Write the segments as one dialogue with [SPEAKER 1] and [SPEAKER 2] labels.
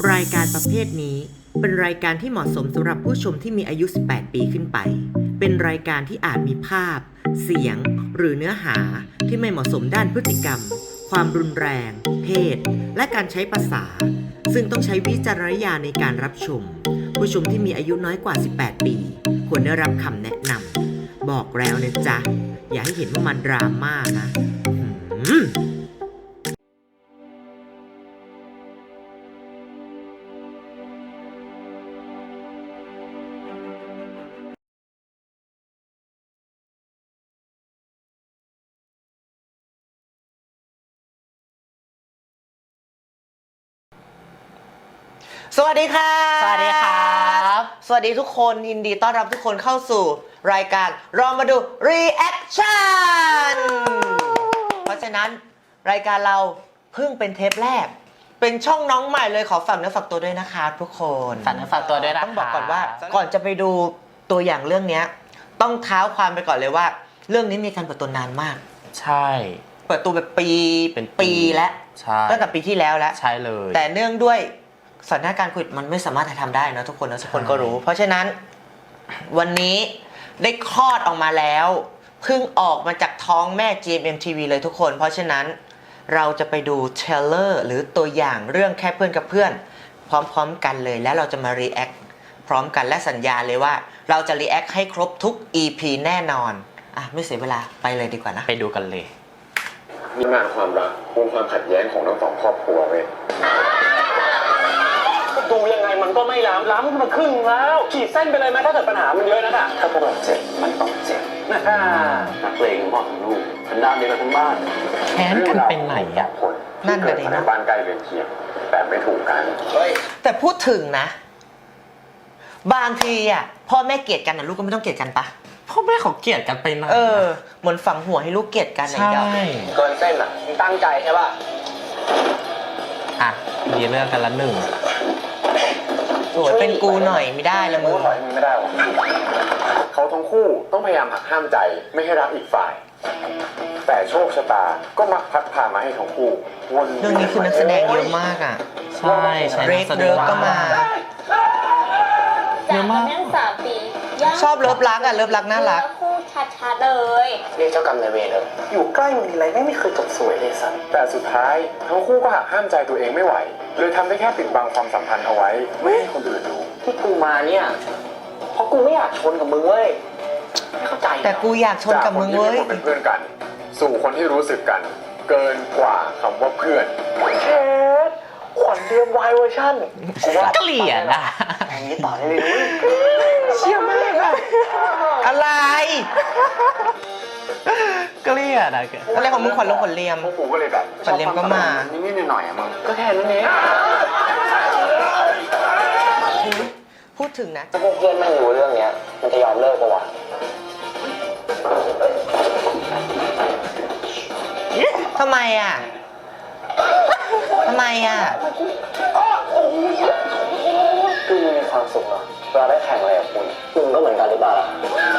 [SPEAKER 1] รายการประเภทนี้เป็นรายการที่เหมาะสมสำหรับผู้ชมที่มีอายุ 18 ปีขึ้นไป เป็นรายการที่อาจมีภาพ เสียง หรือเนื้อหาที่ไม่เหมาะสมด้านพฤติกรรม ความรุนแรง เพศ และการใช้ภาษา ซึ่งต้องใช้วิจารณญาณในการรับชม ผู้ชมที่มีอายุน้อยกว่า 18 ปี ควรได้รับคำแนะนำบอกแล้วนะจ๊ะ อย่าให้เห็นว่ามันดราม่านะสวัสดีค่ะ
[SPEAKER 2] สวัสดีครับ
[SPEAKER 1] สวัสดีทุกคนยินดีต้อนรับทุกคนเข้าสู่รายการลองมาดู Reaction เพราะฉะนั้นรายการเราเพิ่งเป็นเทปแรกเป็นช่องน้องใหม่เลยขอฝากเนื้อฝากตัวด้วยนะคะทุกคน
[SPEAKER 2] ฝากเนื้อฝากตัวด้วยนะ
[SPEAKER 1] ต้องบอกก่อนว่าก่อนจะไปดูตัวอย่างเรื่องนี้ต้องเท้าความไปก่อนเลยว่าเรื่องนี้มีการเปิดตัวนานมาก
[SPEAKER 2] ใช่
[SPEAKER 1] เปิดตัวแบบเป็นปีแล้วตั้งแต่ปีที่แล้วแล้ว
[SPEAKER 2] ใช่เลย
[SPEAKER 1] แต่เนื่องด้วยสถานการณ์โควิดมันไม่สามารถทำได้นะทุกคนนะทุกคนก็รู้เพราะฉะนั้นวันนี้ได้คลอดออกมาแล้วเพิ่งออกมาจากท้องแม่ GMMTV เลยทุกคนเพราะฉะนั้นเราจะไปดูเทรลเลอร์หรือตัวอย่างเรื่องแค่เพื่อนกับเพื่อนพร้อมๆกันเลยแล้วเราจะมา react พร้อมกันและสัญญาเลยว่าเราจะ react ให้ครบทุก EP แน่นอนอ่ะไม่เสียเวลาไปเลยดีกว่านะ
[SPEAKER 2] ไปดูกันเลย
[SPEAKER 3] มีงานความรักมูลความขัดแย้งของทั้งสองครอบครัวเว้ยดูยังไงมันก็ไม่ล้ำมันครึ่งแล้วขีดเส้นไปเลยไหมถ้าเกิดปัญหามันเยอะนะถ้าพวกเราเจ็บมันต้องเจ็บนักเลงพ่อของลูกเป็นด้านเดียวกันทั้งบ้าน
[SPEAKER 2] แค้นกันเป็นไหนอ่ะ
[SPEAKER 1] นั่นเลยนะ
[SPEAKER 3] บ้านใกล้เรือนเคียงแต่ไม่ถูกกัน
[SPEAKER 1] แต่พูดถึงนะบางทีอ่ะพ่อแม่เกลียดกันนะลูกก็ไม่ต้องเกลียดกันปะ
[SPEAKER 2] พ่อแม่เขาเกลียดกันไปไหน
[SPEAKER 1] เหมือนฝังหัวให้ลูกเกลียดกัน
[SPEAKER 2] ใช่
[SPEAKER 3] เกินเส้นอ่ะตั้งใจใช่ป่ะ
[SPEAKER 2] อ่ะมีเรื่องกันละหนึ่ง
[SPEAKER 1] สวยเป็นกูหน่อยไม่ได้ละมึง
[SPEAKER 3] ไม่ได้หรอเขาทั้งคู่ต้องพยายามหักห้ามใจไม่ให้รักอีกฝ่ายแต่โชคชะตาก็มักพัดพามาให้ทั้งคู่วน
[SPEAKER 1] เรื่องนี้คือนักแสดงเยอะมากอ่ะ
[SPEAKER 2] ใช่
[SPEAKER 1] เรกเดิร์กก็มา
[SPEAKER 2] เยอะมาก
[SPEAKER 1] ชอบเลิฟรักอ่ะเลิฟรักน่ารัก
[SPEAKER 4] คู่ชัดๆเลย
[SPEAKER 3] เรียกเจ้ากรรมนายเวรเถอะอยู่ใกล้มันทีไรไม่เคยจบสวยเลยสันแต่สุดท้ายทั้งคู่ก็หักห้ามใจตัวเองไม่ไหวเลยทำได้แค่ปิดบังความสัมพันธ์เอาไว้ไม่ให้คนอื่นรู้ที่กูมาเนี่ยเพราะกูไม่อยากชนกับมึงเว้ยไม่เข้าใจ
[SPEAKER 1] แต่กูอยากชนกับมึงเว้ย
[SPEAKER 3] เป็นเพื่อนกันสู่คนที่รู้สึกกันเกินกว่าคำว่าเพื่อนเชฟขวัญเรียมวายเวอร์ชัน
[SPEAKER 2] เกลียดอ่ะ
[SPEAKER 3] อย่างนี้ต่อได้เลย
[SPEAKER 1] เชี่ยมากอะอะไร
[SPEAKER 2] เกลียดอะ
[SPEAKER 1] อะไรของมึงขวัญลงขวัญเรียม
[SPEAKER 3] กูก็เลยแบบ
[SPEAKER 1] ขวัญเรียมก็มา
[SPEAKER 3] นิดๆหน่อยๆอะมึงก็แค่นั้นเอง
[SPEAKER 1] พูดถึงนะ
[SPEAKER 3] ถ้าพวกเพื่อนไม่รู้เรื่องนี้มันจะยอมเลิกปะวะ
[SPEAKER 1] ทำไมอ่ะ
[SPEAKER 3] คือมีความสุขเหรอเวลาได้แข่งอะไรกับคุณก็เหมือนกันหรือเปล่าล่ะ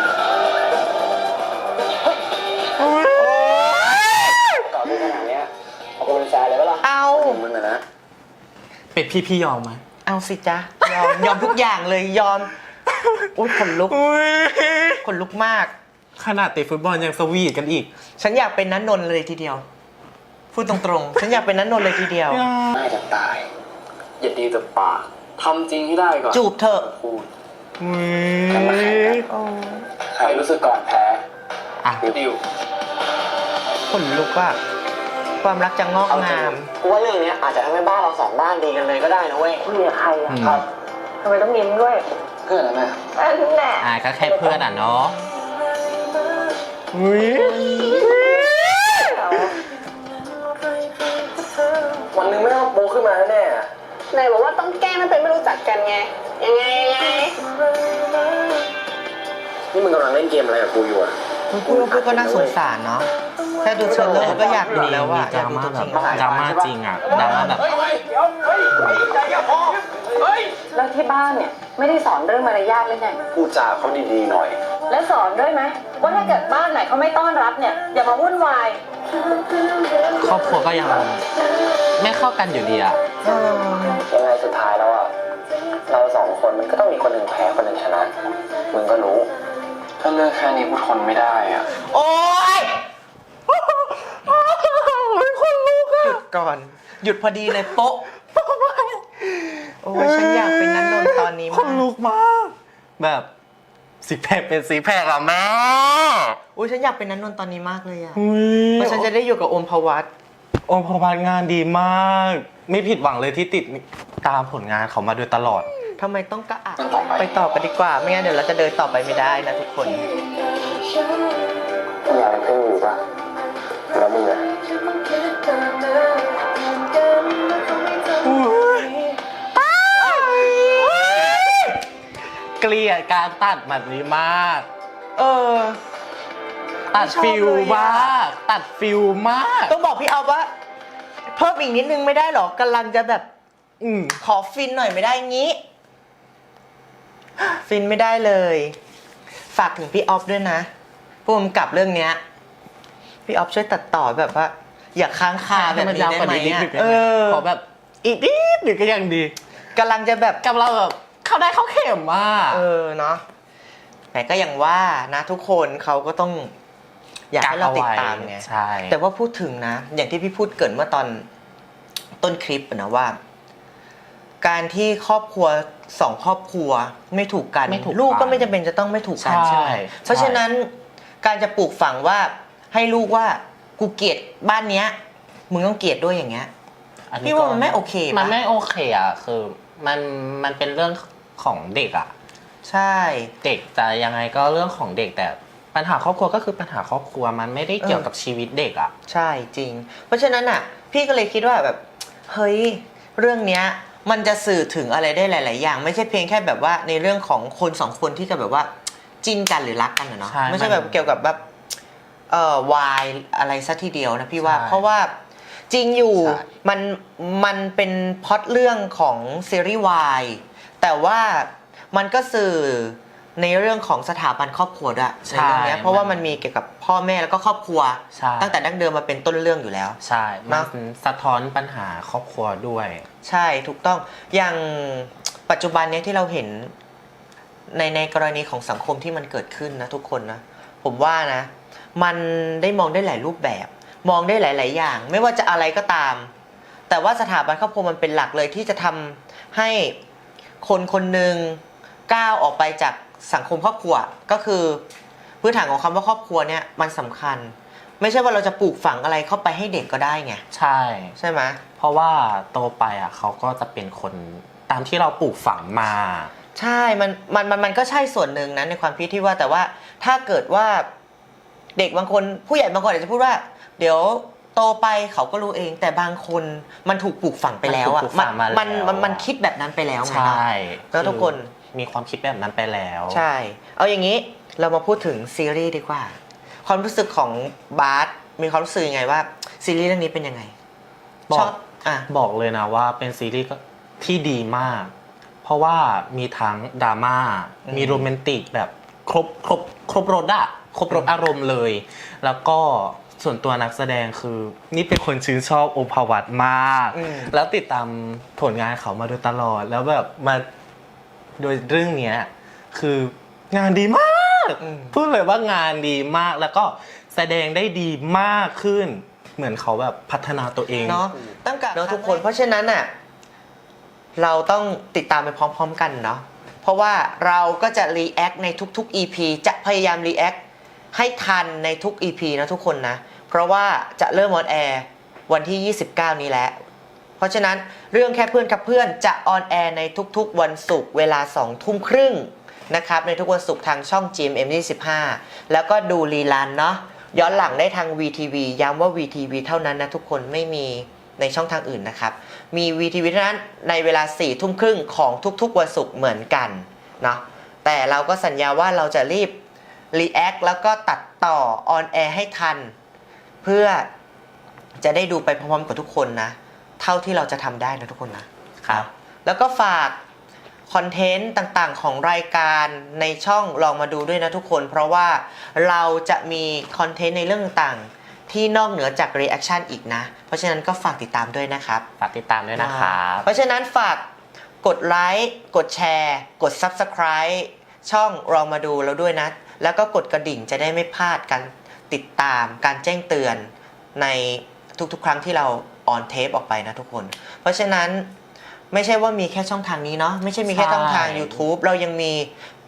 [SPEAKER 3] ก่อนที่ขนาดนี้เอาคุณเป็นแฟนเลยปะล่ะ
[SPEAKER 1] เอา
[SPEAKER 3] มึงนะ
[SPEAKER 2] เป็ดพี่ยอมไหม
[SPEAKER 1] เอาสิจ๊ะยอมทุกอย่างเลยยอมอุ้ยขนลุกมาก
[SPEAKER 2] ขนาดเตะฟุตบอลยังสวีทกันอีก
[SPEAKER 1] ฉันอยากเป็นนันนนท์เลยทีเดียวพูดตรงๆฉันอยากเป็นนันนนท์เลยทีเดียว
[SPEAKER 3] น่าจะตายอย่าดีแต่ปากทำจริงให้ได้ก่อน
[SPEAKER 1] จูบเถอะ
[SPEAKER 3] พูดกันมาแข่งกันใครรู้สึกก่อนแพ้ดิว
[SPEAKER 1] ขนลุกว่าความรักจะงอกงาม
[SPEAKER 3] กูว่าเรื่องนี้อาจจะทำให้บ้านเราสองบ้านดีกันเลยก็ได้นะเว้ยคุยกับใครอะครับทำไมต้องยิ้มด้วยเพื่อนนะ
[SPEAKER 4] แม่แหละ
[SPEAKER 2] ก็แค่เพื่อนอ่ะเนาะ
[SPEAKER 3] วันนึงไม่ต้องโปขึ้นมาแน่
[SPEAKER 4] นายบอกว่าต้องแก้มันเป็นไม่รู้จักกันไงยังไง
[SPEAKER 3] นี่มึงกำลังเล่นเกมอะไรกับกูอยู่อะ
[SPEAKER 1] พูดก็น่าสงสารเนาะแค่ดูเทรลเลอร์ก็อยากดูแล้วว่า
[SPEAKER 2] ดราม่าแบบดราม่าจริงอ่ะดราม่าแบบ
[SPEAKER 4] แล้วที่บ้านเนี่ยไม่ได้สอนเรื่องมารยาทเลยไง
[SPEAKER 3] พูดจาเขาดีๆหน่อย
[SPEAKER 4] แล้วสอนด้วยไหมว่าถ้าเกิดบ้านไหนเขาไม่ต้อนรับเนี่ยอย่ามาวุ่นวาย
[SPEAKER 2] ครอบครัวก็ยังไม่เข้ากันอยู่ดีอ่ะ
[SPEAKER 3] ยังไงสุดท้ายแล้วอ่ะเราสองคนมันก็ต้องมีคนหนึ่งแพ้คนหนึ่งชนะมึงก็รู้ถ้าเลือกแค่นี้กูทนไม่ได้อ่ะ
[SPEAKER 1] โอ๊ยเป็นคนลุกอะหยุดก่อน หยุดพอดีเลยโป๊ะโอ้ยฉันอยากเป็นนันนนท์ตอนนี้
[SPEAKER 2] คน
[SPEAKER 1] มาก
[SPEAKER 2] ลุกมาก แบบซิกแพคเป็นซิกแพคอะแม่
[SPEAKER 1] โอ้ยฉันอยากเป็นนันนนท์ตอนนี้มากเลยอะ
[SPEAKER 2] อุ๊ย
[SPEAKER 1] เพราะฉันจะได้อยู่กับโอมพวัต
[SPEAKER 2] โอมพบาลงานดีมาก ไม่ผิดหวังเลยที่ติดตามผลงานเขามาโดยตลอด
[SPEAKER 1] ทำไมต้องกระอักไปต่อกันดีกว่า ไม่งั้นเดี๋ยวเราจะเดินต่อไปไม่ได้นะทุกคน
[SPEAKER 3] อยากให้เพื่อนอยู่ปะแล้วมึงอะ
[SPEAKER 2] เกลียดการตัดแบบนี้มาก
[SPEAKER 1] เออ
[SPEAKER 2] ตัดฟิล
[SPEAKER 1] ไม่ชอบเลยอะ
[SPEAKER 2] มาก ตัดฟิลมาก
[SPEAKER 1] ต้องบอกพี่เอาว่า เพิ่มอีกนิดนึงไม่ได้หรอกำลังจะแบบ
[SPEAKER 2] อืม
[SPEAKER 1] ขอฟินหน่อยไม่ได้งี้ ฟินไม่ได้เลย ฝากถึงพี่ออฟด้วยนะผู้กำกับเรื่องเนี้ยพี่ออฟช่วยตัดต่อแบบว่า อย่าค้างคาแบบนี้ได้ไหมอะเออ
[SPEAKER 2] ขอแบบอีกนิดหนึ่งก็ยังดี
[SPEAKER 1] กำลังจะแบบ
[SPEAKER 2] กับเราแบบเข้าได้เข้าเข็มมาก
[SPEAKER 1] เออเนาะแต่ก็อย่างว่านะทุกคนเขาก็ต้อง อยากให้เราติดตามไง
[SPEAKER 2] ใช่
[SPEAKER 1] แต่ว่าพูดถึงนะ อย่างที่พี่พูดเกรินเมื่อตอนต้นคลิปอะนะว่า การที่ครอบครัวสองครอบครัวไม่ถูกกัน
[SPEAKER 2] ไม่ถูก
[SPEAKER 1] ลูกก็
[SPEAKER 2] กัน
[SPEAKER 1] ไม่จำเป็นจะต้องไม่ถูกกันใช่ไหม
[SPEAKER 2] ใช่
[SPEAKER 1] เพราะฉะนั้นการจะปลูกฝังว่าให้ลูกว่ากูเกลียดบ้านเนี้ยมึงต้องเกลียดด้วยอย่างเงี้ย
[SPEAKER 2] อันนี้
[SPEAKER 1] พี่ว่ามันไม่โอเคปะ
[SPEAKER 2] มันไม่โอเคอ่ะคือมันเป็นเรื่องของเด็กอ่ะ
[SPEAKER 1] ใช่
[SPEAKER 2] เด็กจะยังไงก็เรื่องของเด็กแต่ปัญหาครอบครัวก็คือปัญหาครอบครัวมันไม่ได้เกี่ยวกับชีวิตเด็กอ่ะ
[SPEAKER 1] ใช่จริง เพราะฉะนั้นอ่ะ พี่ก็เลยคิดว่าแบบเฮ้ยเรื่องเนี้ยมันจะสื่อถึงอะไรได้หลาย ๆ อย่าง ไม่ใช่เพียงแค่แบบว่าในเรื่องของคนสองคนที่จะแบบว่าจิ้นกันหรือรักกันอะเนาะ
[SPEAKER 2] ใช่
[SPEAKER 1] ไม่ใช่แบบเกี่ยวกับแบบวายอะไรซะทีเดียวนะพี่ว่า
[SPEAKER 2] ใช่
[SPEAKER 1] เพราะว่าจริงอยู่
[SPEAKER 2] ใช่
[SPEAKER 1] มันเป็นพล็อตเรื่องของซีรีส์วายแต่ว่ามันก็สื่อในเรื่องของสถาบันครอบครัวด้วยในเรื่องเนี้ยเพราะว่ามันมีเกี่ยวกับพ่อแม่แล้วก็ครอบครัว
[SPEAKER 2] ใช่
[SPEAKER 1] ตั้งแต่ดั้งเดิมมาเป็นต้นเรื่องอยู่แล้ว
[SPEAKER 2] ใช่
[SPEAKER 1] เน
[SPEAKER 2] มั
[SPEAKER 1] อะ
[SPEAKER 2] นสะท้อนปัญหาครอบครัวด้วย
[SPEAKER 1] ใช่ถูกต้องอย่างปัจจุบันเนี้ยที่เราเห็นในกรณีของสังคมที่มันเกิดขึ้นนะทุกคนนะผมว่านะมันได้มองได้หลายรูปแบบ มองได้หลาย ๆ อย่าง ไม่ว่าจะอะไรก็ตาม แต่ว่าสถาบันครอบครัวมันเป็นหลักเลยที่จะทำให้คนคนหนึ่งก้าวออกไปจากสังคมครอบครัวก็คือพื้นฐานของคำว่าครอบครัวเนี่ยมันสำคัญ ไม่ใช่ว่าเราจะปลูกฝังอะไรเข้าไปให้เด็กก็ได้ไง
[SPEAKER 2] ใช่
[SPEAKER 1] ใช่ไหม
[SPEAKER 2] เพราะว่าโตไปอ่ะเขาก็จะเป็นคนตามที่เราปลูกฝังมา
[SPEAKER 1] ใช่มันก็ใช่ส่วนหนึ่งนะในความคิดที่ว่าแต่ว่าถ้าเกิดว่าเด็กบางคนผู้ใหญ่บางคนอาจจะพูดว่า เดี๋ยวโตไปเขาก็รู้เองแต่บางคนมันถูกปลูกฝังไปแล้วอ่ะ
[SPEAKER 2] มันถูกปลูกฝังมาแล้ว
[SPEAKER 1] มันคิดแบบนั้นไปแล้วไง
[SPEAKER 2] ใช่
[SPEAKER 1] เนอะแล้วทุกคน
[SPEAKER 2] มีความคิดแบบนั้นไปแล้ว
[SPEAKER 1] ใช่ เอาอย่างนี้เรามาพูดถึงซีรีส์ดีกว่า ความรู้สึกของบาสมีความรู้สึกยังไงว่าซีรีส์เรื่องนี้เป็นยังไง
[SPEAKER 2] บอก
[SPEAKER 1] ชอบอ่ะ
[SPEAKER 2] บอกเลยนะว่าเป็นซีรีส์ที่ดีมาก เพราะว่ามีทั้งดราม่า มีโรแมนติกแบบครบรสอะครบรสอารมณ์เลย แล้วก็ส่วนตัวนักแสดงคือนี่เป็นคนชื่นชอบโอภวัตมาก แล้วติดตามผลงานเขามาโดยตลอด แล้วแบบมาโดยเรื่องเนี้ยคืองานดีมาก พูดเลยว่างานดีมากแล้วก็แสดงได้ดีมากขึ้น เหมือนเขาแบบพัฒนาตัวเอง
[SPEAKER 1] เนาะตั้งแต่เนาะทุกคนเพราะฉะนั้นน่ะเราต้องติดตามไปพร้อมๆกันเนาะเพราะว่าเราก็จะรีแอคในทุกๆ EP จะพยายามรีแอคให้ทันในทุก EP นะทุกคนนะเพราะว่าจะเริ่มออนแอร์วันที่ 29 นี้แล้วเพราะฉะนั้นเรื่องแค่เพื่อนกับเพื่อนจะออนแอร์ในทุกๆวันศุกร์เวลา 20:30 น.นะครับในทุกวันศุกร์ทางช่อง GMM 25แล้วก็ดูรีลันเนาะย้อนหลังได้ทาง VTV ย้ำว่า VTV เท่านั้นนะทุกคนไม่มีในช่องทางอื่นนะครับมี VTV เท่านั้นในเวลา 22:30 น.ของทุกๆวันศุกร์เหมือนกันเนาะแต่เราก็สัญญาว่าเราจะรีบรีแอคแล้วก็ตัดต่อออนแอร์ให้ทันเพื่อจะได้ดูไปพร้อมๆกับทุกคนนะเท่าที่เราจะทำได้นะทุกคนนะครับแล้วก็ฝากคอนเทนต์ต่างๆของรายการในช่องลองมาดูด้วยนะทุกคนเพราะว่าเราจะมีคอนเทนต์ในเรื่องต่างๆที่นอกเหนือจาก reaction อีกนะ เพราะฉะนั้นก็ฝากติดตามด้วยนะครับ
[SPEAKER 2] ฝากติดตามด้วยนะครับ
[SPEAKER 1] เพราะฉะนั้นฝากกดไลค์กดแชร์กด Subscribe ช่องลองมาดูเราด้วยนะ แล้วก็กดกระดิ่งจะได้ไม่พลาดการติดตามการแจ้งเตือนในทุกๆ ครั้งที่เราออนเทปออกไปนะทุกคน เพราะฉะนั้นไม่ใช่ว่ามีแค่ช่องทางนี้เนาะไม่ใช่มีแค่ช่องทาง YouTube เรายังมี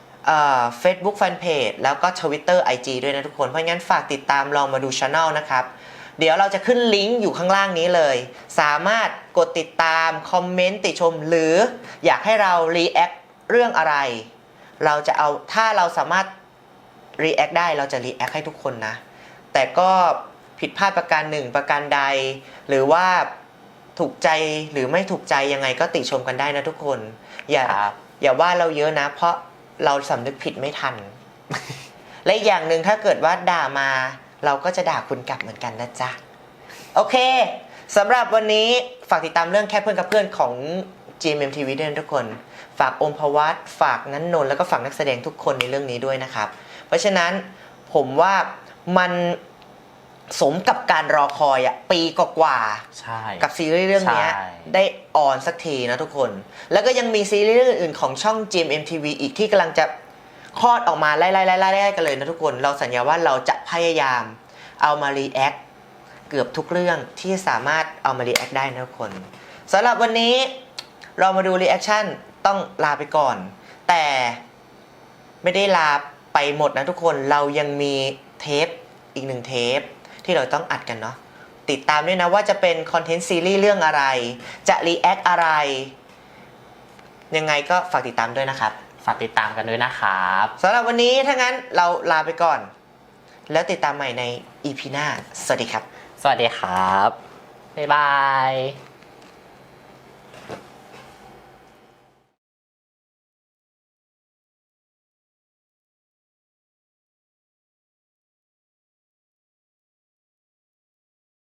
[SPEAKER 1] Facebook Fanpage แล้วก็ Twitter IG ด้วยนะทุกคน เพราะงั้นฝากติดตามลองมาดู Channel นะครับ เดี๋ยวเราจะขึ้นลิงก์อยู่ข้างล่างนี้เลย สามารถกดติดตามคอมเมนต์ติชม หรืออยากให้เรา react เรื่องอะไร เราจะเอาถ้าเราสามารถ react ได้เราจะ react ให้ทุกคนนะ แต่ก็ผิดพลาดประการหนึ่งประการใด หรือว่าถูกใจหรือไม่ถูกใจยังไงก็ติชมกันได้นะทุกคน อย่าว่าเราเยอะนะ เพราะเราสำนึกผิดไม่ทัน และอีกอย่างหนึ่งถ้าเกิดว่าด่ามาเราก็จะด่าคุณกลับเหมือนกันนะจ๊ะ โอเคสำหรับวันนี้ฝากติดตามเรื่องแค่เพื่อนกับเพื่อนของ GMMTV ด้วยนะทุกคน ฝากอมพวัตฝากนันนนท์แล้วก็ฝากนักแสดงทุกคนในเรื่องนี้ด้วยนะครับ เพราะฉะนั้นผมว่ามันสมกับการรอคอยอะปีกว่าๆ
[SPEAKER 2] ใช่
[SPEAKER 1] กับซีรีส์เรื่องนี้
[SPEAKER 2] ใช่
[SPEAKER 1] ได้ออนสักทีนะทุกคน แล้วก็ยังมีซีรีส์เรื่องอื่นๆของช่อง GMMTV อีกที่กำลังจะคลอดออกมาไล่ๆๆๆกันเลยนะทุกคน เราสัญญาว่าเราจะพยายามเอามารีแอคเกือบทุกเรื่องที่สามารถเอามารีแอคได้นะทุกคนสำหรับวันนี้เรามาดูรีแอคชั่นต้องลาไปก่อน แต่ไม่ได้ลาไปหมดนะทุกคนเรายังมีเทปอีกหนึ่งเทปที่เราต้องอัดกันเนาะติดตามด้วยนะว่าจะเป็นคอนเทนต์ซีรีส์เรื่องอะไรจะรีแอคอะไรยังไงก็ฝากติดตามด้วยนะครับ
[SPEAKER 2] ฝากติดตามกันด้วยนะครับ
[SPEAKER 1] สำหรับวันนี้ถ้างั้นเราลาไปก่อน แล้วติดตามใหม่ใน EP หน้าสวัสดีครับ
[SPEAKER 2] สวัสดีครับ บ๊ายบาย